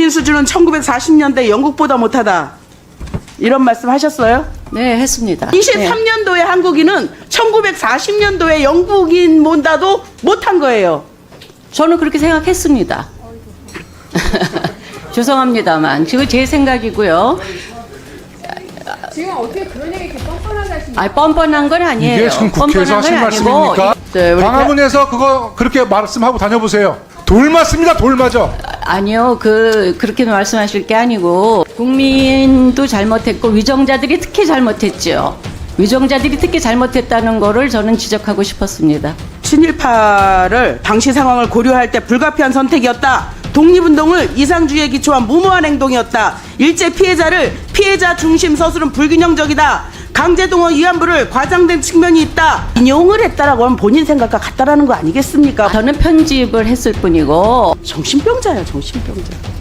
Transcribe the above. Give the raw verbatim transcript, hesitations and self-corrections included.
국민 수준은 천구백사십 년대 영국보다 못하다. 이런 말씀 하셨어요? 네, 했습니다. 이십삼 년도에 한국인은 천구백사십 년도에 영국인보다도 못한 거예요. 네. 저는 그렇게 생각했습니다. 죄송합니다만 지금 제 생각이고요. 지금 어떻게 그런 얘기 이렇게 뻔뻔하게 하시는 아, 뻔뻔한 건 아니에요. 이게 지금 국회에서 뻔뻔한 하신 건 아니고, 말씀입니까? 네, 우리 광화문에서 그거 그렇게 말씀하고 다녀보세요. 돌 맞습니다. 돌 맞아. 아니요, 그 그렇게 말씀하실 게 아니고 국민도 잘못했고 위정자들이 특히 잘못했죠. 위정자들이 특히 잘못했다는 거를 저는 지적하고 싶었습니다. 친일파를 당시 상황을 고려할 때 불가피한 선택이었다. 독립운동을 이상주의에 기초한 무모한 행동이었다. 일제 피해자를 피해자 중심 서술은 불균형적이다. 강제동원 위안부를 과장된 측면이 있다. 인용을 했다라고 하면 본인 생각과 같다라는 거 아니겠습니까? 저는 편집을 했을 뿐이고 정신병자야, 정신병자.